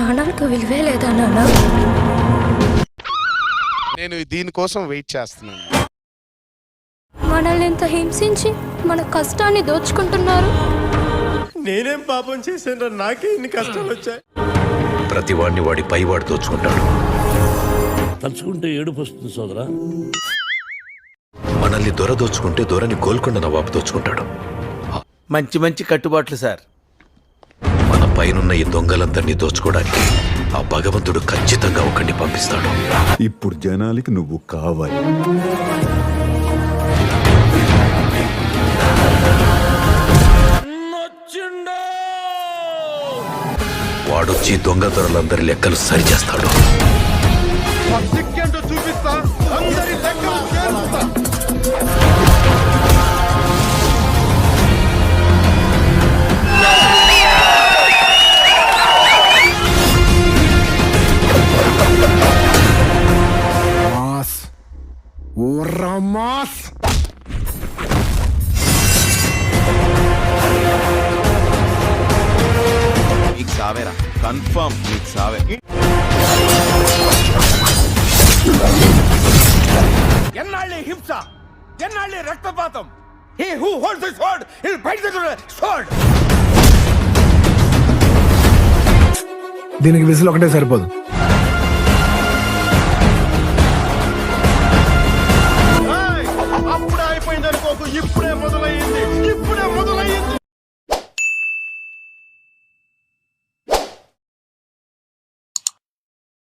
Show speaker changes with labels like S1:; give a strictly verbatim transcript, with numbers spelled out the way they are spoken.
S1: ప్రాణాలకు విలువే లేదా నాన్న?
S2: నేను దీనికోసం వెయిట్ చేస్తున్నాను.
S1: మనల్ని ఎంత హింసించి మన కష్టాన్ని దోచుకుంటున్నారు.
S3: నేనేం పాపం చేశాను, నాకే ఇన్ని కష్టాలు వచ్చాయి.
S4: ప్రతి వాడిని వాడి పైవాడు దోచుకుంటాడు.
S5: తలుచుకుంటే ఏడుపు వస్తుంది సోదరా.
S4: మనల్ని దొర దోచుకుంటే దొరని గోల్కొండ నవాబు దోచుకుంటాడు.
S3: మంచి మంచి కట్టుబాట్లు సార్.
S4: మన పైనున్న ఈ దొంగలందరినీ దోచుకోవడానికి ఆ భగవంతుడు ఖచ్చితంగా ఒకరిని పంపిస్తాడు.
S6: ఇప్పుడు జనాలకి నువ్వు కావాలి.
S4: వాడొచ్చి దొంగ దొరలందరి లెక్కలు సరిచేస్తాడు.
S7: నీకు సావేరా, కన్ఫర్మ్ నీకు సావే.
S3: ఎన్నాళ్ళే హింస, ఎన్నాళ్ళే రక్తపాతం. He who holds the sword, he'll bite the sword.
S8: దీనికి విసులు ఒకటే సరిపోదు.